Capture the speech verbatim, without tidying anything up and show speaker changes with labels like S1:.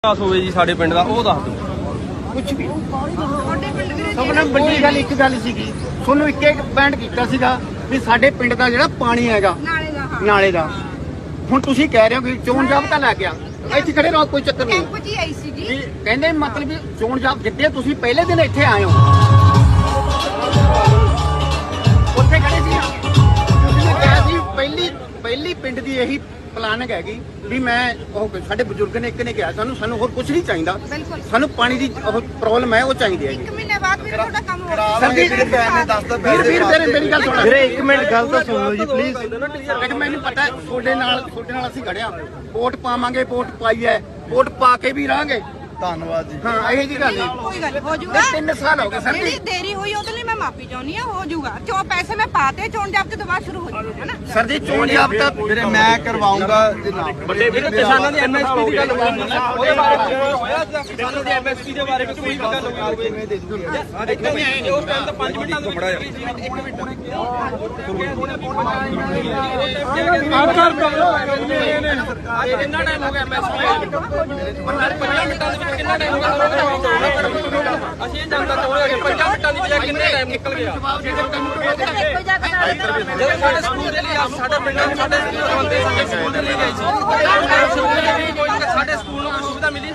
S1: ਵਿਕਾਸ ਹੋਵੇ ਜੀ ਸਾਡੇ ਪਿੰਡ ਦਾ ਉਹ ਦੱਸ ਦਿਓ।
S2: ਕੁਛ ਵੀ ਸਭ ਨਾਲ ਵੱਡੀ ਗੱਲ ਇੱਕ ਗੱਲ ਸੀਗੀ, ਤੁਹਾਨੂੰ ਇੱਕ ਇੱਕ ਪੁਆਇੰਟ ਕੀਤਾ ਸੀਗਾ ਵੀ ਸਾਡੇ ਪਿੰਡ ਦਾ ਜਿਹੜਾ ਪਾਣੀ ਹੈਗਾ
S3: ਨਾਲੇ ਦਾ ਹਾਂ
S2: ਨਾਲੇ ਦਾ, ਹੁਣ ਤੁਸੀਂ ਕਹਿ ਰਹੇ ਹੋ ਕਿ ਚੋਣ ਜਾਬਤਾ ਲੈ ਗਿਆ, ਇੱਥੇ ਖੜੇ ਰਹੋ ਕੋਈ ਚੱਕਰ ਨਹੀਂ।
S3: ਕੈਂਪ 'ਚ ਹੀ ਆਈ ਸੀਗੀ।
S2: ਵੀ ਕਹਿੰਦੇ ਮਤਲਬ ਵੀ ਚੋਣ ਜਾਬ ਜਿੱਤੇ ਤੁਸੀਂ ਪਹਿਲੇ ਦਿਨ ਇੱਥੇ ਆਏ ਹੋ, ਉੱਥੇ ਖੜੇ ਸੀ ਨਾ ਤੁਸੀਂ ਕਿਹਾ ਸੀ ਪਹਿਲੀ ਪਹਿਲੀ ਪਿੰਡ ਦੀ ਇਹੀ ਪਲਾਨਿੰਗ ਹੈਗੀ ਵੀ ਮੈਂ ਉਹ ਸਾਡੇ ਬਜ਼ੁਰਗ ਨੇ ਇੱਕ ਨੇ ਕਿਹਾ ਸਾਨੂੰ ਸਾਨੂੰ ਹੋਰ ਕੁਝ ਨਹੀਂ ਚਾਹੀਦਾ,
S3: ਬਿਲਕੁਲ
S2: ਸਾਨੂੰ ਪਾਣੀ ਦੀ ਉਹ ਪ੍ਰੋਬਲਮ ਹੈ ਉਹ ਚਾਹੀਦੀ ਹੈ
S3: ਇੱਕ ਮਹੀਨੇ ਬਾਅਦ ਵੀ ਤੁਹਾਡਾ ਕੰਮ ਹੋ ਗਿਆ।
S2: ਸਰ ਜੀ ਵੀਰ ਵੀਰ ਤੇਰੇ ਮੇਰੀ ਗੱਲ ਸੁਣ
S4: ਵੀਰੇ ਇੱਕ ਮਿੰਟ ਗੱਲ ਤਾਂ ਸੁਣ ਲਓ ਜੀ ਪਲੀਜ਼।
S2: ਇੱਕ ਮੈਨੂੰ ਪਤਾ ਤੁਹਾਡੇ ਨਾਲ ਤੁਹਾਡੇ ਨਾਲ ਅਸੀਂ ਖੜਿਆ, ਵੋਟ ਪਾਵਾਂਗੇ, ਵੋਟ ਪਾਈ ਹੈ, ਵੋਟ ਪਾ ਕੇ ਵੀ ਰਹਾਂਗੇ।
S4: ਧੰਨਵਾਦ ਜੀ।
S2: ਹਾਂ ਇਹੋ ਜੀ ਗੱਲ ਨਹੀਂ,
S3: ਕੋਈ ਗੱਲ ਹੋ ਜਾਊਗਾ।
S2: ਤਿੰਨ ਸਾਲ ਹੋ ਗਏ ਸਰ
S3: ਜਿਹੜੀ
S2: ਜੀ।
S3: ਦੇਰੀ ਹੋਈ ਉਹਦੇ ਲਈ ਮੈਂ ਮਾਫੀ ਚਾਹੁੰਦੀ ਹਾਂ, ਹੋ ਜਾਊਗਾ। ਜੋ ਪੈਸੇ ਮੈਂ ਪਾਤੇ ਚੋਣ ਜਾਬਤੇ ਤੋਂ ਬਾਅਦ ਸ਼ੁਰੂ ਹੋ ਜਾਊਗਾ ਹੈ ਨਾ।
S2: ਸਰ ਜੀ ਚੋਣ ਜਾਬਤਾ
S4: ਵੀਰੇ ਮੈਂ ਕਰਵਾਉਂਗਾ ਜਨਾਬ।
S1: ਵੱਡੇ ਵੀਰ ਕਿਸਾਨਾਂ ਦੀ ਐਮਐਸਪੀ ਦੀ ਗੱਲ ਉਹਦੇ ਬਾਰੇ ਹੋਇਆ ਕਿਸਾਨਾਂ ਦੀ ਐਮਐਸਪੀ ਦੇ ਬਾਰੇ ਕੋਈ ਗੱਲ ਹੋਵੇ ਕਿਵੇਂ ਦੇ ਦੂਗੇ। ਦੇਖੋ ਨਹੀਂ ਉਸ ਟਾਈਮ ਤਾਂ ਪੰਜ ਮਿੰਟਾਂ ਦੇ ਵਿੱਚ ਇੱਕ ਮਿੰਟ ਕਿੰਨਾ ਟਾਈਮ ਹੋ ਗਿਆ ਐਮਐਸਪੀ ਪੰਜਾਹ ਮਿੰਟਾਂ ਦੇ ਵਿੱਚ ਕਿੰਨਾ ਟਾਈਮ ਹੋ ਗਿਆ ਅਸੀਂ ਇਹ ਜਾਣਨਾ ਚਾਹੁੰਦੇ ਹਾਂ ਕਿ ਪੰਜਾਹ ਮਿੰਟਾਂ ਦੀ ਬਜਾਏ ਕਿੰਨੇ ਟਾਈਮ ਨਿਕਲ ਗਿਆ ਜਦੋਂ ਸਾਡੇ ਸਕੂਲ ਦੇ ਲਈ ਸਾਡੇ ਪਿੰਡਾਂ ਦੇ ਸਾਡੇ ਬੰਦੇ ਸਾਡੇ ਸਕੂਲ ਦੇ ਲਈ ਗਏ ਸੀ ਸਾਡੇ ਸਕੂਲ ਨੂੰ ਸੁਵਿਧਾ ਮਿਲੀ।